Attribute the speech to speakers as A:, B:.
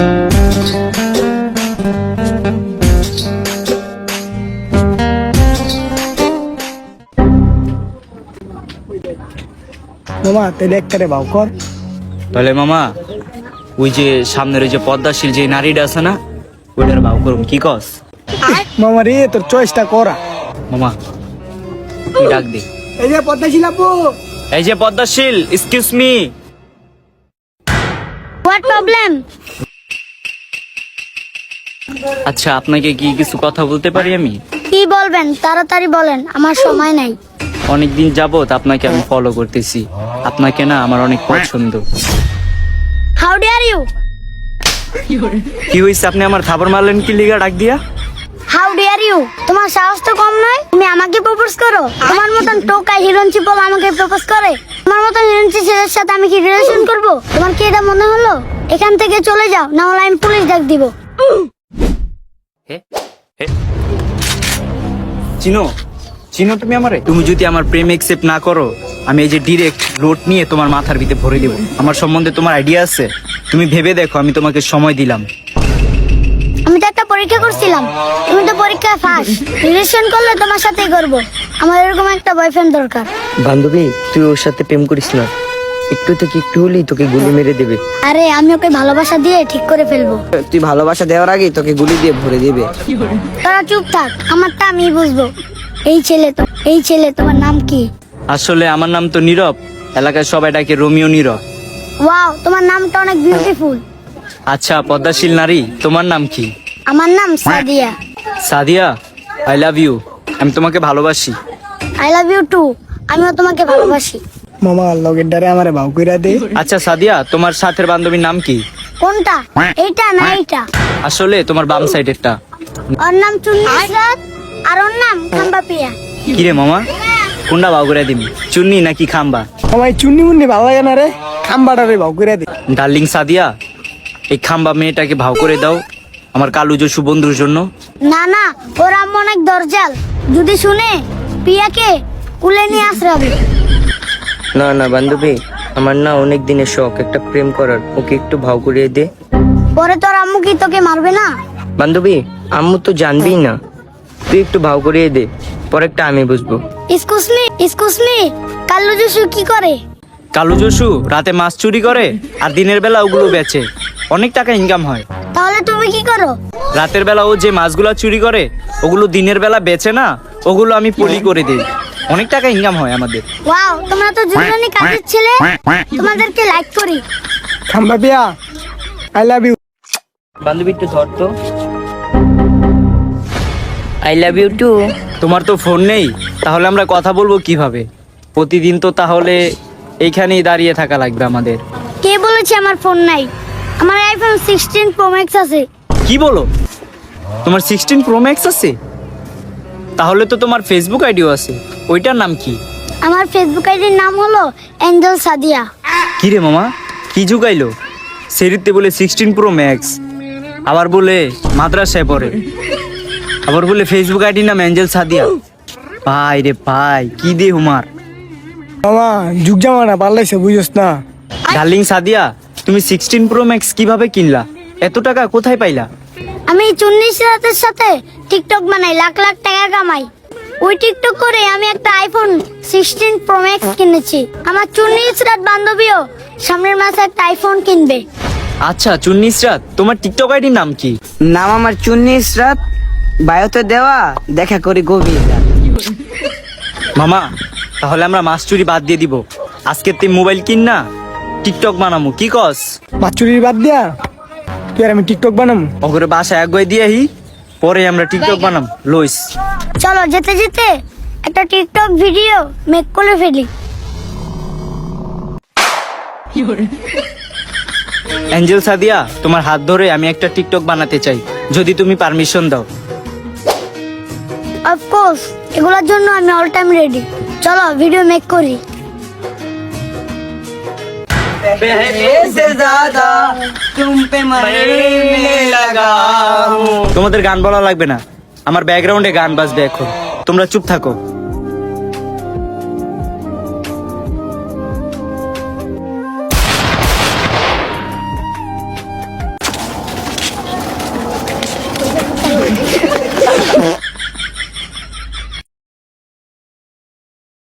A: মামা তাহলে একটারে ভাও কর।
B: তাহলে মামা ওই যে সামনের ওই যে পদ্মাশীল যে নারীটা আছে না, ওইটার ভাও করুন, কি কস?
A: মামা রে তোর চয়েসটা করা।
B: মামা তুই ডাক দে।
A: এই যে পদ্মাশীল আপু।
B: এই যে Padmashil, excuse me.
C: What problem?
B: আচ্ছা, আপনাকে কি কিছু কথা বলতে পারি আমি?
C: কি বলবেন তাড়াতাড়ি বলেন, আমার সময় নাই।
B: অনেকদিন যাবত আপনাকে আমি ফলো করতেছি, আপনাকে না আমার অনেক পছন্দ।
C: How dare you?
B: কি হয়েছে, আপনি আমার থাপড় মারলেন কি লিগা ডাক দিয়া?
C: How dare you? তোমার সাহস তো কম নয়, তুমি আমাকে প্রপোজ করো? তোমার মতন টোকা হিরোইন চিপল আমাকে প্রপোজ করে? তোমার মতন হিরোইন ছেলের সাথে আমি কি রিলেশন করব? তোমার কি এটা মনে হলো? এখান থেকে চলে যাও, না হলে আমি পুলিশ ডাক দিব।
B: চিনো চিনো তুমি আমারে? তুমি যদি আমার প্রেম একসেপ্ট না করো, আমি এই যে ডিরেক্ট লোড নিয়ে তোমার মাথার ভিতরে ভরে দেবো। আমার সম্বন্ধে তোমার আইডিয়া আছে? তুমি ভেবে দেখো, আমি তোমাকে সময় দিলাম।
C: আমি তো একটা পরীক্ষা করছিলাম, তুমি তো পরীক্ষায় ফাঁস। রিলেশন করলে তোমার সাথেই করব। আমার এরকম একটা বয়ফ্রেন্ড দরকার।
D: বান্ধবী, তুই ওর সাথে প্রেম করিস না, একটু থেকে একটু হলেই তোকে গুলি মেরে দেবে।
C: আরে আমি ওকে ভালোবাসা দিয়ে ঠিক করে ফেলবো।
D: তুই ভালোবাসা দেওয়ার আগেই তোকে গুলি দিয়ে ভরে দেবে।
C: তোরা চুপ থাক, আমারটা আমি বুঝবো। এই ছেলে তোমার নাম কি?
B: আসলে আমার নাম তো নীরব, এলাকায় সবাই ডাকে রোমিও নীরব।
C: ওয়াও, তোমার নামটা অনেক বিউটিফুল।
B: আচ্ছা পদ্মাশীল নারী, তোমার নাম কি?
C: আমার নাম Sadia.
B: Sadia, I love you. আমি তোমাকে ভালোবাসি।
C: I love you too. আমিও তোমাকে ভালোবাসি।
A: মামা লগের ডারে আমারে ভাও কইরা দে।
B: আচ্ছা সাদিয়া, তোমার সাথের বান্ধবীর নাম কি?
C: কোনটা, এইটা না এইটা?
B: আসলে তোমার বাম সাইডেরটা।
C: ওর নাম চুন্নি ইসরাত, আর ওর নাম খাম্বা পিয়া।
B: কি রে মামা, কোনটা ভাও করে দিবি, চুন্নি নাকি খাম্বা?
A: মামা এই চুন্নি মুন্নি ভালো লাগে না রে, খাম্বাটারে ভাও কইরা দে।
B: ডার্লিং সাদিয়া, এই খাম্বা মেয়েটাকে ভাও করে দাও আমার কালু যশু বন্ধুর জন্য।
C: না না, ওর আম্মু অনেক দরজাল, যদি শুনে পিয়াকে কুলে নিয়ে আসরাবে।
D: না না বান্ধবী, আমার না অনেক দিনের শখ একটা প্রেম করার, ওকে একটু ভাও করিয়ে দে।
C: পরে তোর আম্মু কি তোকে মারবে না?
D: বান্ধবী, আম্মু তো জানবেই না, তুই একটু ভাও করিয়ে দে, পরেরটা আমি বুঝবো।
C: এক্সকিউজ মি, কাল্লু জসু কি করে?
B: কালু যশু রাতে মাছ চুরি করে আর দিনের বেলা ওগুলো বেচে, অনেক টাকা ইনকাম হয়।
C: তাহলে তুমি কি করো?
B: রাতের বেলা ও যে মাছগুলো চুরি করে ওগুলো দিনের বেলা বেচে না, ওগুলো আমি পলি করে দিই, অনেক টাকা ইনকাম হয় আমাদের।
C: ওয়াও, তোমরা তো দুজনই কাজের ছেলে, তোমাদেরকে লাইক করি।
A: খাম্বা পিয়া, আই লাভ ইউ।
D: বান্ধবী একটু ধর তো। I love you too.
B: তোমার তো ফোন নেই, তাহলে আমরা কথা বলবো কিভাবে? প্রতিদিন তো তাহলে এইখানেই দাঁড়িয়ে থাকা লাগবে আমাদের।
C: কে বলেছে আমার ফোন নাই? আমার আইফোন 16 প্রো ম্যাক্স আছে।
B: কি বলো, তোমার 16 প্রো ম্যাক্স আছে? তাহলে তো তোমার ফেসবুক আইডিও আছে, ওইটার নাম কি?
C: আমার ফেসবুক আইডির নাম হলো এঞ্জেল সাদিয়া।
B: কি রে মামা, কি যুগাইলো? সেরিতে বলে 16 প্রো ম্যাক্স, আবার বলে মাদ্রাসায় পড়ে, আবার বলে ফেসবুক আইডির নাম এঞ্জেল সাদিয়া। ভাই রে ভাই, কি দে হুমার।
A: মামা যুগ জামানা পাল্লাইছে, বুঝছ না?
B: ডার্লিং সাদিয়া, তুমি 16 প্রো ম্যাক্স কিভাবে কিনলা? এত টাকা কোথায় পাইলা?
C: আমি চুন্নি সিরাতের সাথে টিকটক বানাই, লাখ লাখ টাকা কামাই। ওই টিকটক করে আমি একটা আইফোন 16 প্রো ম্যাক্স কিনেছি। আমার চুন্নি সিরাত বান্ধবীও সামনের মাসে একটা আইফোন কিনবে।
B: আচ্ছা চুন্নিসরাত, তোমার টিকটক আইডির নাম কি?
D: নাম আমার চুন্নি ইসরাত, বায়োতে দেওয়া, দেখা করি গভীর রাত।
B: মামা তাহলে আমরা মাছ চুরি বাদ দিয়ে দিব, আজকে তুই মোবাইল কিন না, টিকটক বানামু, কি কস?
A: মাছ চুরির বাদ দিয়া তুই আর আমি টিকটক বানাম।
B: ওগরে বাসায় একগই দিয়ে আহি, পরে আমরা টিকটক বানাম লইস।
C: চলো যেতে যেতে একটা টিকটক ভিডিও মেক করে ফেলি।
B: এঞ্জেল সাদিয়া, তোমার হাত ধরে আমি একটা টিকটক বানাতে চাই, যদি তুমি পারমিশন দাও।
C: অফকোর্স, এগুলোর জন্য আমি অল টাইম রেডি। চলো ভিডিও মেক করি।
B: তোমাদের গান বলা লাগবে না, আমার ব্যাকগ্রাউন্ডে গান বাজবে এখন, তোমরা চুপ থাকো।